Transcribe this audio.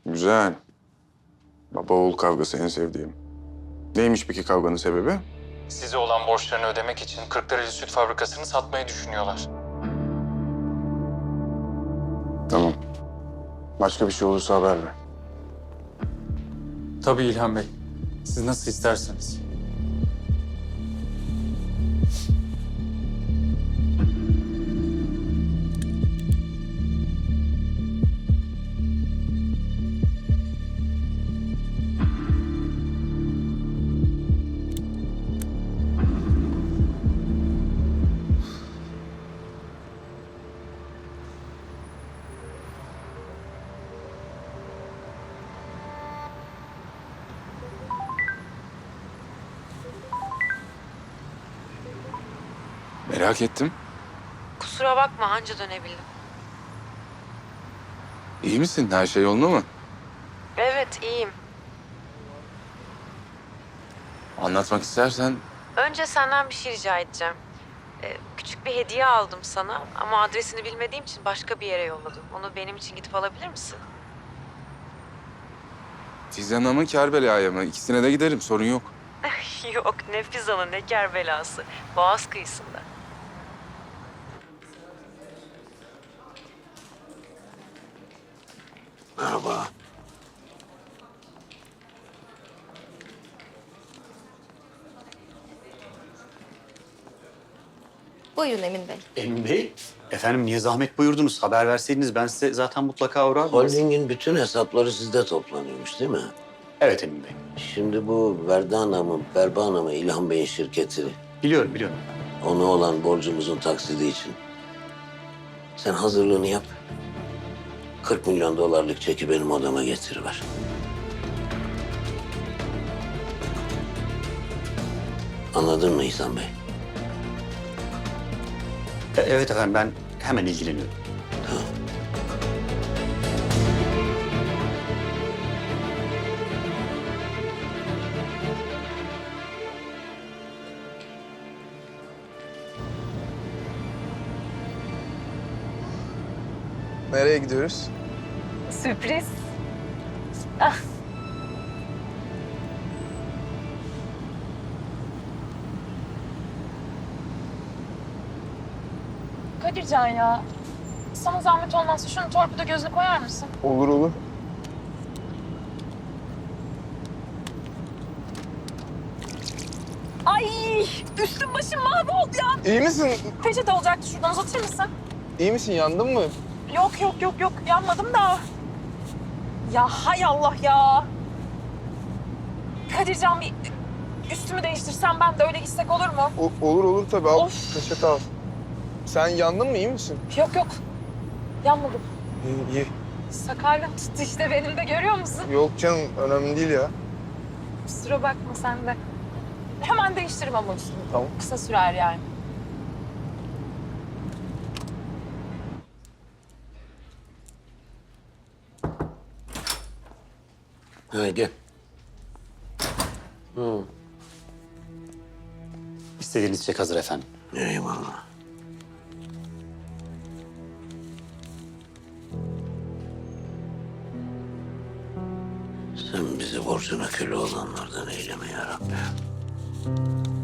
Güzel. Baba oğul kavgası en sevdiğim. Neymiş peki kavganın sebebi? Size olan borçlarını ödemek için Kırklareli Süt Fabrikası'nı satmayı düşünüyorlar. Tamam. Başka bir şey olursa haber ver. Tabii İlhan Bey. Siz nasıl isterseniz. Merak ettim. Kusura bakma anca dönebildim. İyi misin? Her şey yolunda mı? Evet iyiyim. Anlatmak istersen Önce senden bir şey rica edeceğim. Küçük bir hediye aldım sana ama adresini bilmediğim için başka bir yere yolladım. Onu benim için gidip alabilir misin? Fizan'a mı Kerbela'ya mı? İkisine de giderim. Sorun yok. Yok ne Fizan'ı ne Kerbelası. Boğaz kıyısında. Merhaba. Buyurun Emin Bey. Emin Bey, efendim niye zahmet buyurdunuz? Haber verseydiniz ben size zaten mutlaka uğrardım. Holdingin bütün hesapları sizde toplanıyormuş değil mi? Evet Emin Bey. Şimdi bu Verdana mı, Berbana mı İlhan Bey'in şirketi. Biliyorum, biliyorum. Ona olan borcumuzun taksidi için. Sen hazırlığını yap. 40 milyon dolarlık çeki benim odama getiriver. Anladın mı İhsan Bey? Evet efendim ben hemen ilgileniyorum. Tamam. Nereye gidiyoruz? Sürpriz. Kadircan ya. Sana zahmet olmazsa şunu torpido gözüne koyar mısın? Olur olur. Ay üstüm başım mahvoldu ya. İyi misin? Peçete olacaktı şuradan uzatır mısın? İyi misin? Yandın mı? Yok yanmadım da. Ya hay Allah ya. Kadircan bir üstümü değiştirsem ben de öyle gitsek olur mu? Olur olur tabii. Al. Of. Peçete al. Sen yandın mı? İyi misin? Yok yanmadım. İyi iyi. Sakarlığım tuttu işte benim de görüyor musun? Yok canım önemli değil ya. Kusura bakma sen de. Hemen değiştiririm ama üstümü. Tamam. Kısa sürer yani. Ha gel. İstediğiniz çek hazır efendim. Eyvallah. Sen bizi borcuna köle olanlardan eyleme ya Rabbi.